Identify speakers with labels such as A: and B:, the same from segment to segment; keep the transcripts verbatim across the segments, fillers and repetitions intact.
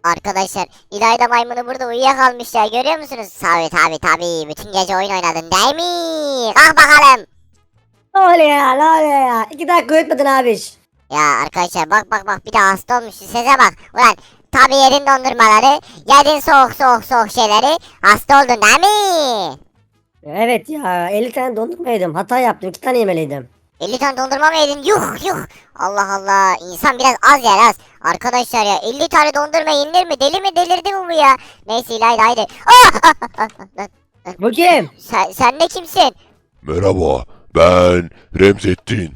A: Arkadaşlar İlayda maymunu burada uyuyakalmış ya, görüyor musunuz? Tabi tabi tabi, bütün gece oyun oynadın değil mi? Kalk bakalım.
B: Ne oluyor ya ne oluyor ya? İki dakika uyutmadın abiş.
A: Ya arkadaşlar bak bak bak, bir de hasta olmuş, sese bak. Ulan tabi yedin dondurmaları, yedin soğuk soğuk soğuk şeyleri, hasta oldun değil mi?
B: Evet ya elli tane dondurma yedim. Hata yaptım. iki tane yemeliydim.
A: elli tane dondurma mı yedin? Yuh yuh. Allah Allah, insan biraz az yer az. Arkadaşlar ya, elli tane dondurma yenilir mi? Deli mi, delirdi mi bu ya? Neyse İlayda haydi. Ah!
B: Bu kim?
A: Sen, sen de kimsin?
C: Merhaba, ben Remzettin.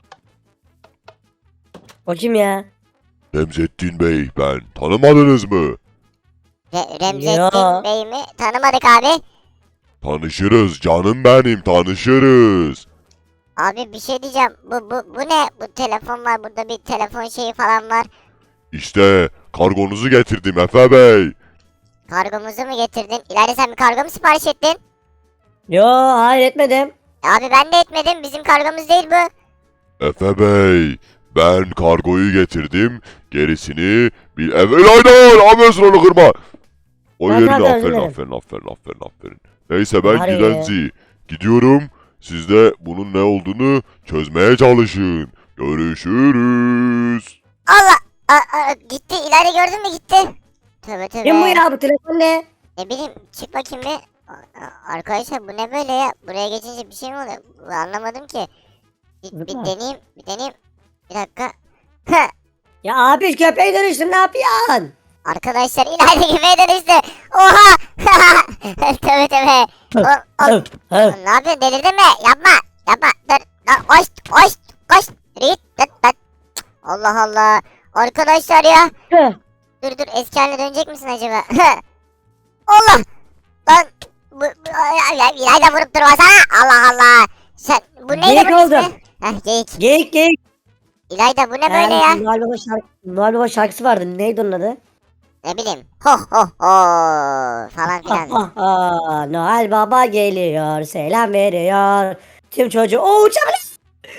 B: O kim ya?
C: Remzettin Bey, ben. Tanımadınız mı?
A: Re Remzettin
B: Ya.
A: Bey mi? Tanımadık abi.
C: Tanışırız canım benim, tanışırız.
A: Abi bir şey diyeceğim. Bu bu bu ne? Bu telefon var. Burada bir telefon şeyi falan var.
C: İşte kargonuzu getirdim Efe Bey.
A: Kargomuzu mu getirdin? İleride sen bir kargo mu sipariş ettin?
B: Yo hayır etmedim.
A: Abi ben de etmedim. Bizim kargomuz değil bu.
C: Efe Bey, ben kargoyu getirdim. Gerisini bir evvelaydan Ahmet sıranı kırma. O
B: Tamam,
C: yerine
B: tamam, özür
C: aferin,
B: dilerim.
C: aferin, aferin, aferin, aferin. Neyse ben
B: Var ya.
C: gidenzi. Gidiyorum. Siz de bunun ne olduğunu çözmeye çalışın. Görüşürüz.
A: Allah! A, a, gitti. İleride gördün mü, gitti. Tövbe tövbe.
B: Kim bu ya bu telefon ne?
A: Ne bileyim, çık bakayım bir. A- a- Arkadaşlar bu ne böyle ya? Buraya geçince bir şey mi oluyor? Bu- Anlamadım ki. Bir, bir
B: Zıpla.
A: deneyeyim, bir deneyeyim. Bir dakika. Heh.
B: Ya abi köpeğe dönüştüm ne yapıyorsun?
A: Arkadaşlar İlayda gibi dönüştü. Oha! Tövbe tövbe. Oğlum, oğlum,
B: Hı, hı.
A: ne yapıyorsun, delirdin mi? Yapma. Yapma. Dur. Lan, koş. Koş. Koş. Rit. Dıt dıt. Allah Allah. Arkadaşlar ya.
B: Hı.
A: Dur dur. Eski haline dönecek misin acaba? Allah. Lan. Bu, bu, ya, ya, İlayda vurup durmasana. Allah Allah. Sen bu neydi
B: Geyik
A: bunun
B: oldum.
A: ismi? Heh, geyik.
B: Geyik geyik.
A: İlayda bu ne böyle ya?
B: Noel Baba, şarkı, Noel Baba şarkısı vardı. Neydi onun adı?
A: Ne bileyim. Ho ho ho falan filan.
B: Ah, ah, ah. Noel Baba geliyor. Selam veriyor. Tüm çocuğu. Oo uçabilir.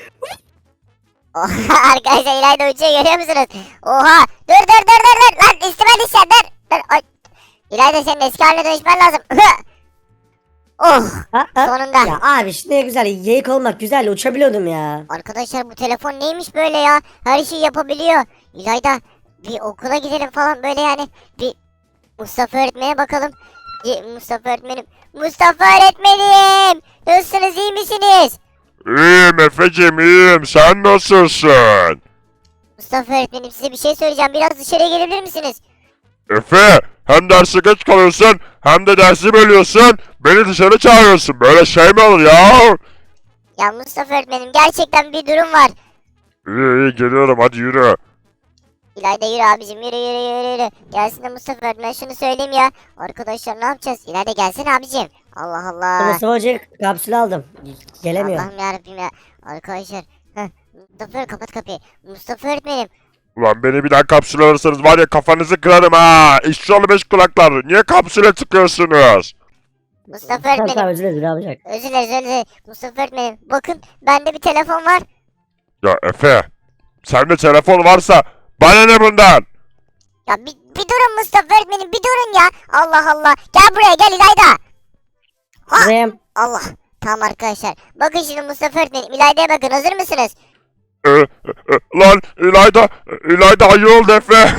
A: Oha, arkadaşlar İlayda uçuyor, görüyor musunuz? Oha, dur dur dur dur dur lan, üstüme düşeceksin, dur dur. Ay. İlayda senin eski haline dönüşmen lazım. Oh,
B: Ha, ha.
A: sonunda.
B: Ya abi işte ne güzel. Geyik olmak güzel. Uçabiliyordum ya.
A: Arkadaşlar bu telefon neymiş böyle ya? Her şeyi yapabiliyor. İlayda bir okula gidelim falan böyle yani. Bir Mustafa öğretmene bakalım. Bir Mustafa öğretmenim. Mustafa öğretmenim. Nasılsınız, iyi misiniz?
C: İyiyim Efe'cim, iyiyim. Sen nasılsın?
A: Mustafa öğretmenim, size bir şey söyleyeceğim. Biraz dışarıya gelebilir misiniz?
C: Efe, hem derse geç kalıyorsun hem de dersi bölüyorsun. Beni dışarı çağırıyorsun. Böyle şey mi olur ya?
A: Ya Mustafa öğretmenim, gerçekten bir durum var.
C: İyi iyi geliyorum, hadi yürü.
A: İlayda yürü abicim, yürü yürü yürü yürü. Gelsin de Mustafa öğretmen, şunu söyleyeyim ya. Arkadaşlar ne yapacağız? İlayda gelsene abicim. Allah Allah.
B: Mustafa Hoca kapsül aldım. Gelemiyor.
A: Allah'ım yarabbim ya. Arkadaşlar. Heh. Mustafa öğretmen, kapat kapıyı. Mustafa öğretmenim.
C: Ulan beni bir daha kapsül alırsanız var ya kafanızı kırarım ha. İşçi oğlu beş kulaklar. Niye kapsüle tıkıyorsunuz?
A: Mustafa
B: Tamam tamam
A: öğretmenim.
B: özür dilerim ne yapacak?
A: Özür dileriz özür dileriz. Mustafa öğretmenim. Bakın bende bir telefon var.
C: Ya Efe, sende telefon varsa bana ne bundan?
A: Ya bir, bir durun Mustafa öğretmenim, bir durun ya. Allah Allah. Gel buraya, gel İlayda. Ha.
B: Buradayım.
A: Allah. Tamam arkadaşlar. Bakın şimdi Mustafa öğretmenim. İlayda'ya bakın, hazır mısınız?
C: Ee, e, e, lan İlayda, İlayda ayı oldu Efe.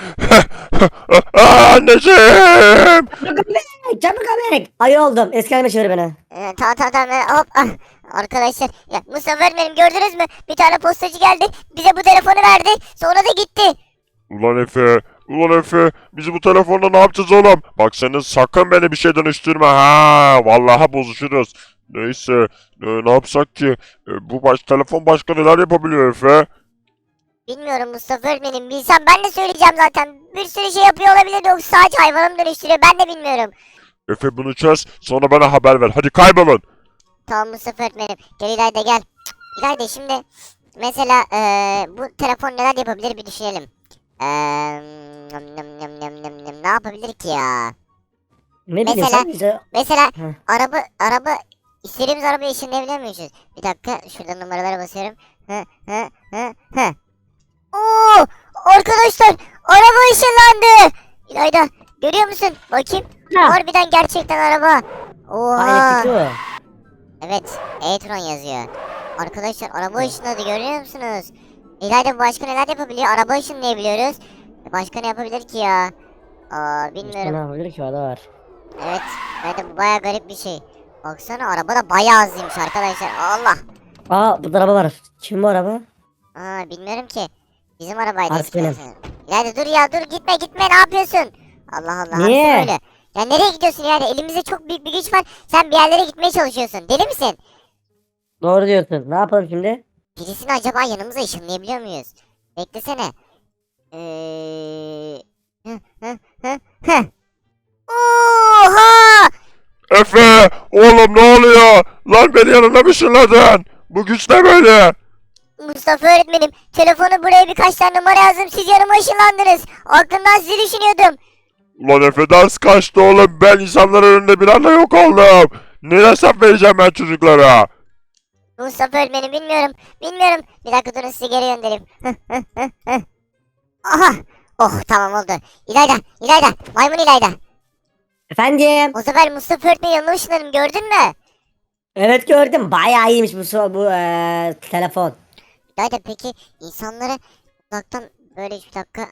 C: Aa, anneciğim.
B: Çabuk köpek. Çabuk köpek. Ayı oldum. Eski halime çevir beni.
A: Ee, tamam tamam tamam. Ee, hop. Ah. Arkadaşlar. Ya Mustafa öğretmenim, gördünüz mü? Bir tane postacı geldi. Bize bu telefonu verdi. Sonra da gitti.
C: Ulan Efe, ulan Efe, biz bu telefonla ne yapacağız oğlum? Bak senin sakın beni bir şey dönüştürme ha. Vallahi bozuşuruz. Neyse, e, ne yapsak ki? E, bu baş telefon başka neler yapabiliyor Efe?
A: Bilmiyorum Mustafa öğretmenim. Bilsem ben de söyleyeceğim zaten. Bir sürü şey yapıyor olabilir. Yoksa sadece hayvanı mı dönüştürüyor? Ben de bilmiyorum.
C: Efe bunu çöz, sonra bana haber ver. Hadi kaybolun.
A: Tamam Mustafa öğretmenim. Gel İlayda gel. Cık, İlayda şimdi mesela eee, bu telefon neler yapabilir bir düşünelim. Eee, nım nım nım nım nım nım. Ne yapabilir ki ya?
B: Ne
A: Mesela-
B: biliyorsun bize?
A: Mesela
B: Heh.
A: araba araba istediğimiz arabayı ışınlayabiliyor muyuz? Bir dakika şurada numaralara basıyorum. Hı hı hı hı. Oo! Arkadaşlar araba ışınlandı. İlayda görüyor musun? Bakayım.
B: Ha.
A: Harbiden gerçekten araba. Oha.
B: Aa, elektrikli o.
A: Evet, e-tron yazıyor. Arkadaşlar araba ışınladı görüyor musunuz? İlayda başka neler yapabiliyor? Araba ışınlayabiliyoruz. Başka ne yapabilir ki ya? Aa,
B: Ne
A: bilmiyorum.
B: yapabilir ki, o da var.
A: Evet, evet bu baya garip bir şey. Baksana araba da bayağı hızlıymış arkadaşlar. Allah.
B: Aa, burada araba var. Kim bu araba?
A: Aa, bilmiyorum ki. Bizim arabaydı
B: Artık
A: eskiden
B: benim.
A: sanırım. İlayda dur ya dur gitme gitme ne yapıyorsun? Allah Allah.
B: Niye?
A: hapsi böyle. Ya nereye gidiyorsun yani? Elimizde çok büyük bir güç var. Sen bir yerlere gitmeye çalışıyorsun. Deli misin?
B: Doğru diyorsun. Ne yapalım şimdi?
A: Birisini acaba yanımıza ışınlayabiliyor muyuz? Beklesene. Eee... Hı hı hı hı. Oha!
C: Efe oğlum ne oluyor? Lan beni yanına mı ışınladın? Bu güç ne böyle?
A: Mustafa öğretmenim, telefonu buraya birkaç tane numara yazdım. Siz yanıma ışınlandınız. Aklımdan sizi düşünüyordum.
C: Ulan Efe ders kaçtı oğlum. Ben insanların önünde bir anda yok oldum. Ne hesap vereceğim ben çocuklara?
A: Mustafa öğretmenim bilmiyorum. Bilmiyorum. Bir dakika durun sizi geri göndereyim. Aha! Oh tamam oldu. İlayda, İlayda, maymun İlayda.
B: Efendim?
A: O sefer Mustafa öğretmenin yanına ışınladım gördün mü?
B: Evet, gördüm. Bayağı iyiymiş bu so- bu eee, telefon.
A: İlayda peki insanları uzaktan böyle bir dakika.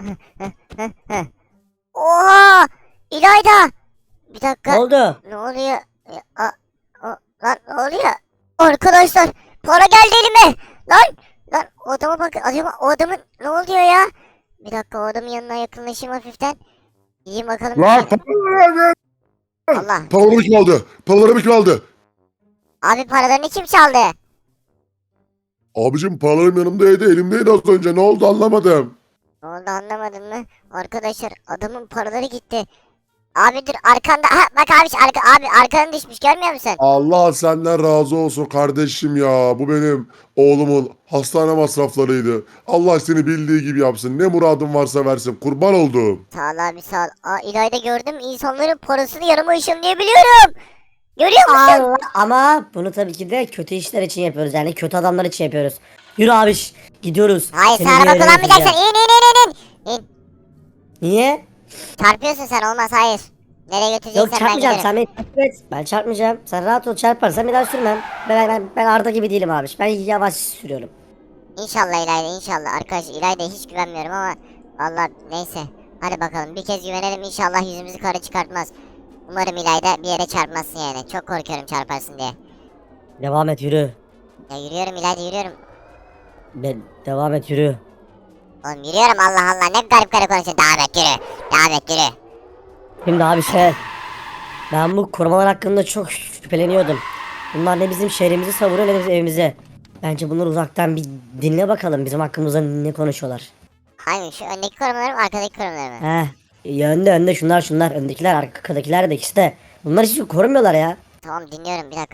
A: Oha! İlayda! Bir dakika.
B: Ne oldu?
A: Ne oluyor? Ya, a, o, lan ne oluyor? Arkadaşlar para geldi elime. Lan lan o adama bak acaba o adamın ne oluyor ya? Bir dakika o adamın yanına yakınlaşayım hafiften. Gideyim bakalım.
D: Lan paralarımı
A: Allah.
D: Paralarımı kim aldı? Paralarımı kim aldı?
A: Abi paralarını kim çaldı?
D: Abicim paralarım yanımdaydı, elimdeydi az önce. Ne oldu anlamadım.
A: Ne oldu anlamadın mı? Arkadaşlar adamın paraları gitti. Abi dur arkanda. Ha bak abi arka, abi arkanın düşmüş görmüyor musun?
D: Allah senden razı olsun kardeşim ya. Bu benim oğlumun hastane masraflarıydı. Allah seni bildiği gibi yapsın. Ne muradın varsa versin. Kurban oldum.
A: Sağ ol abi sağ ol. Aa İlayda gördüm insanların parasını yanıma ışınlayabiliyorum. Görüyor musun?
B: Allah, ama bunu tabii ki de kötü işler için yapıyoruz, yani kötü adamlar için yapıyoruz. Yürü abiş, gidiyoruz.
A: Hayır
B: Seni
A: sen
B: bir
A: araba
B: yere
A: kullanmayacaksın.
B: götüreceğim.
A: İn in in in in. İn.
B: Niye?
A: Çarpıyorsun sen olmaz hayır. Nereye götüreceksen
B: Yok,
A: ben
B: çarpmayacağım,
A: giderim.
B: sen beni takip et. Ben çarpmayacağım. Sen rahat ol, çarparsan bir daha sürmem. Ben, ben, ben Arda gibi değilim abiş. Ben yavaş sürüyorum.
A: İnşallah İlayda inşallah. Arkadaş İlayda'ya hiç güvenmiyorum ama vallahi neyse. Hadi bakalım bir kez güvenelim inşallah yüzümüzü kara çıkartmaz. Umarım İlayda bir yere çarpmazsın yani. Çok korkuyorum çarparsın diye.
B: Devam et, yürü.
A: Ya yürüyorum İlayda yürüyorum.
B: Ben, devam et, yürü.
A: Oğlum yürüyorum Allah Allah ne garip garip konuşuyorsun. Devam et yürü. Devam et yürü.
B: Şimdi abi şey, ben bu korumalar hakkında çok şüpheleniyordum. Bunlar ne bizim şehrimizi savuruyor ne de bizim evimize. Bence bunları uzaktan bir dinle bakalım, bizim hakkımızda ne konuşuyorlar.
A: Hangi şu öndeki korumalarım arkadaki korumalarım.
B: Heh, ya önde önde şunlar şunlar, öndekiler arkadakiler de ikisi de. Bunlar hiç korumuyorlar ya.
A: Tamam dinliyorum bir dakika.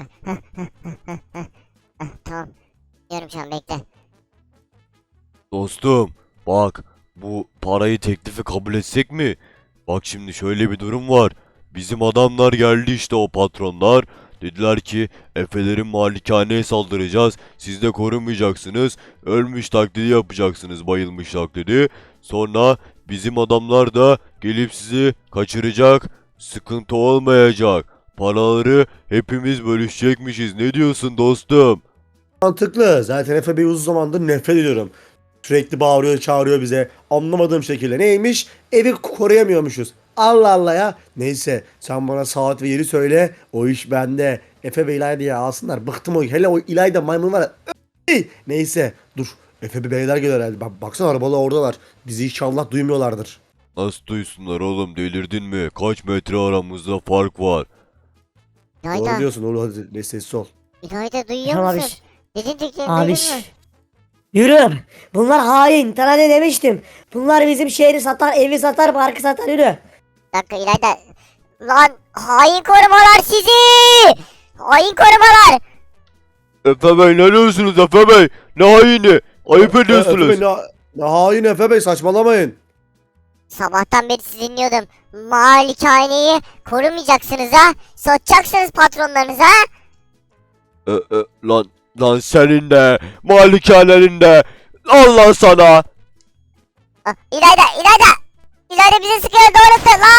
A: Tamam. Dinliyorum şu an bekle.
E: Dostum, bak bu parayı teklifi kabul etsek mi? Bak şimdi şöyle bir durum var. Bizim adamlar geldi işte o patronlar. Dediler ki Efelerin malikaneye saldıracağız. Siz de korumayacaksınız. Ölmüş taklidi yapacaksınız, bayılmış taklidi. Sonra bizim adamlar da gelip sizi kaçıracak. Sıkıntı olmayacak. Paraları hepimiz bölüşecekmişiz. Ne diyorsun dostum?
F: Mantıklı. Zaten Efe Bey uzun zamandır nefret ediyorum. Sürekli bağırıyor, çağırıyor bize. Anlamadığım şekilde. Neymiş? Evi koruyamıyormuşuz. Allah Allah ya. Neyse sen bana saat ve yeri söyle. O iş bende. Efe Bey İlayda'yı alsınlar. Bıktım o. Hele o İlayda maymun var ya. Ey! Neyse dur. Efe Bey beyler geliyor herhalde. Bak, baksana arabalar oradalar. Bizi inşallah duymuyorlardır.
E: Nasıl duysunlar oğlum, delirdin mi? Kaç metre aramızda fark var.
F: Doğru
A: İlayda.
F: diyorsun oğlum, hadi ne sessiz ol.
A: İlayda duyuyor
B: Tamam
A: musun?
B: abiş.
A: Dedin dediklerini duydun
B: Abiş.
A: mu?
B: Yürü. Bunlar hain. Sana ne demiştim? Bunlar bizim şehri satar, evi satar, parkı satar, yürü.
A: Bir dakika İlayda. Lan hain korumalar sizi! Hain korumalar!
E: Efe Bey ne diyorsunuz Efe Bey? Ne haini? Ayıp
F: Efe
E: ediyorsunuz.
F: Bey ne, ne hain Efe Bey, saçmalamayın.
A: Sabahtan beri sizi dinliyordum. Malikaneyi korumayacaksınız ha. Satacaksınız patronlarınıza ha.
E: E, e, lan, lan senin de, malikanenin de. Allah sana.
A: Ah, İlayda, İlayda. İlayda bize sıkıyor doğrusu lan.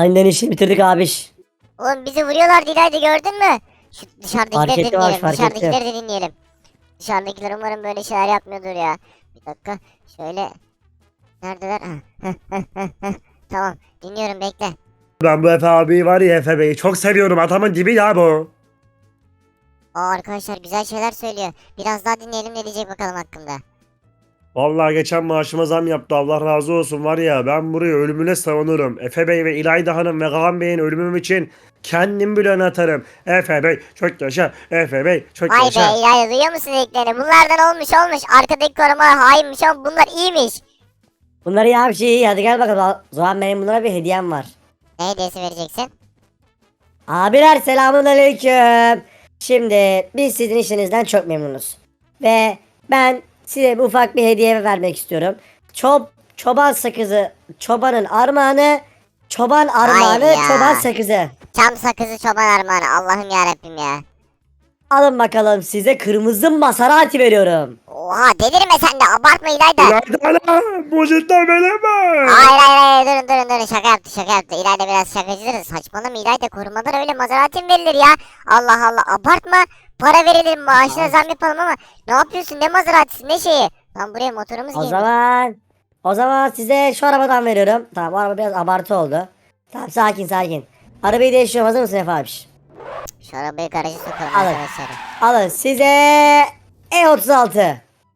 B: Aniden işini bitirdik abiş.
A: Oğlum bizi vuruyorlar İlayda, gördün mü? Şu dışarıdakileri
B: Fark
A: de
B: ettim abi,
A: dinleyelim.
B: fark
A: Dışarıdakileri de dinleyelim. Dışarıdakiler umarım böyle şeyler yapmıyordur ya. Bir dakika. Şöyle. Neredeler? Hah, tamam. Dinliyorum, bekle.
F: Ben bu Efe abi var ya, Efe Bey'i çok seviyorum. Adamın dibi ya bu.
A: Aa, arkadaşlar güzel şeyler söylüyor. Biraz daha dinleyelim, ne diyecek bakalım hakkında.
F: Vallahi geçen maaşıma zam yaptı. Allah razı olsun var ya, ben burayı ölümüne savunurum. Efe Bey ve İlayda Hanım ve Kaan Bey'in ölümüm için kendim bile öne atarım. Efe Bey çok yaşa. Efe Bey çok
A: Vay
F: yaşa.
A: be İlayda, duyuyor musun dediklerini? Bunlardan olmuş olmuş. Arkadaki korumalar hainmiş ama bunlar iyiymiş.
B: Bunları ya bir şey iyi. Hadi gel bakalım. O zaman benim bunlara bir hediyem var.
A: Ne hediyesi vereceksin?
B: Abiler selamun aleyküm. Şimdi biz sizin işinizden çok memnunuz. Ve ben size bir ufak bir hediye vermek istiyorum. Çob çoban sakızı, çobanın armağanı, çoban armağanı,
A: ya.
B: çoban sakızı.
A: Çam sakızı çoban armağanı. Allah'ım yarabbim ya.
B: Alın bakalım, size kırmızı Maserati veriyorum.
A: Oha, delirme sen de, abartma İlayda.
F: İlayda Hanım bu cidden benim mi?
A: Hayır hayır hayır, durun durun durun, şaka yaptı şaka yaptı. İlayda biraz şakacıdır. Saçmalama İlayda, korumadan öyle Maserati mi verilir ya? Allah Allah, abartma. Para verelim, maaşına zam yapalım ama ne yapıyorsun, ne Maserati'si, ne şeyi? Lan buraya motorumuz
B: O
A: gelmiş.
B: zaman o zaman size şu arabadan veriyorum. Tamam, bu araba biraz abartı oldu. Tamam, sakin sakin. Arabayı değiştiriyorum, hazır mısın Efe abiş?
A: Şu arabayı garaja sokalım
B: Alın.
A: arkadaşlar.
B: Alın size E otuz altı.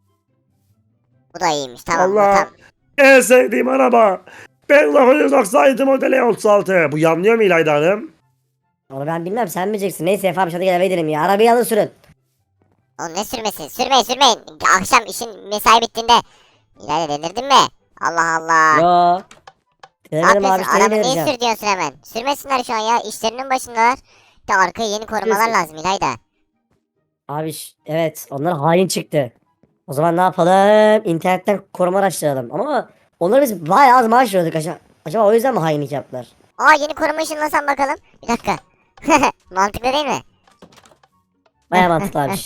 A: Bu da iyiymiş, tamam bu
F: Allah.
A: tam.
F: En sevdiğim araba. Ben dokuz yüz doksan yedi modeli otuz altı. Bu yanlıyor mu İlayda Hanım?
B: Onu ben bilmem, sen bileceksin. Neyse Efe abi, hadi gel eve gidelim ya. Arabayı alın sürün.
A: Oğlum ne sürmesin, sürmeyin sürmeyin. Akşam işin mesai bittiğinde. İlayda, delirdin mi? Allah Allah.
B: Yo.
A: Ne
B: Denemedim abi,
A: yapıyorsun?
B: seni
A: Araba niye
B: vereceğim.
A: sür diyorsun hemen? Sürmesinler şu an ya. İşlerinin başındalar. De arkaya yeni korumalar
B: Sürmesin.
A: lazım İlayda.
B: Abi ş- evet, onlar hain çıktı. O zaman ne yapalım? İnternetten koruma araştıralım. Ama onları biz bayağı az maaş veriyorduk. Acaba, acaba o yüzden mi hainlik yaptılar?
A: Aa, yeni koruma ışınlasam bakalım. Bir dakika. Mantıklı değil mi?
B: Bayağı mantıklı abi.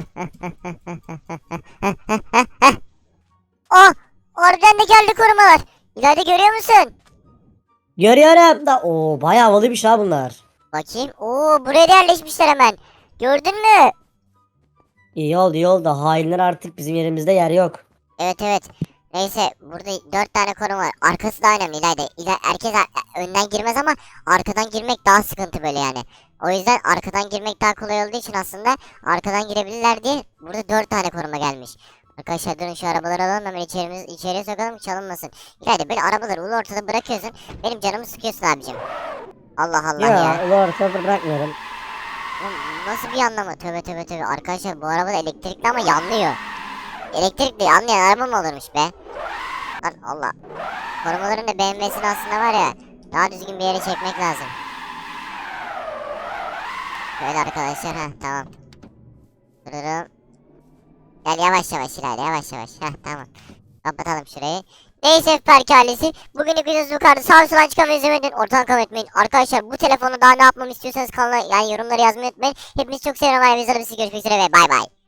A: Oh! Oradan da geldi korumalar. İlayda, görüyor musun?
B: Görüyorum da o bayağı havalıymış ha bunlar.
A: Bakayım. Oo, buraya da yerleşmişler hemen. Gördün mü?
B: İyi oldu iyi oldu. Hainler artık bizim yerimizde yer yok.
A: Evet evet. Neyse, burada dört tane koruma var. Arkası da önemli İlayda. İla herkes a- önden girmez ama arkadan girmek daha sıkıntı böyle yani. O yüzden arkadan girmek daha kolay olduğu için aslında arkadan girebilirler diye burada dört tane koruma gelmiş. Arkadaşlar durun, şu arabaları alalım hemen içerimiz, içeriye sokalım ki çalınmasın. İlayda, böyle arabaları ulu ortada bırakıyorsun. Benim canımı sıkıyorsun abicim. Allah Allah ya.
B: Ya ulu ortada bırakmıyorum.
A: Oğlum, nasıl bir anlamı? Tövbe tövbe tövbe. Arkadaşlar bu araba da elektrikli ama yanlıyor. Elektrikli yanlayan araba mı olurmuş be? Lan Allah. Korumaların da B M W'sini aslında var ya, daha düzgün bir yere çekmek lazım. Böyle arkadaşlar, ha tamam. Dururum. Gel yavaş yavaş ilerle, yavaş yavaş. Heh, tamam. Kapatalım şurayı. Neyse Berk ailesi, bugünlük videomuz bu kadar. Sağ soldan çıkan ve izlemeyi unutmayın. Ortadan kalmayı unutmayın. Arkadaşlar bu telefonu daha ne yapmamı istiyorsanız kanala, yani yorumları yazmayı unutmayın. Hepinizi çok seviyorum. Ailemize görüşmek üzere ve bay bay.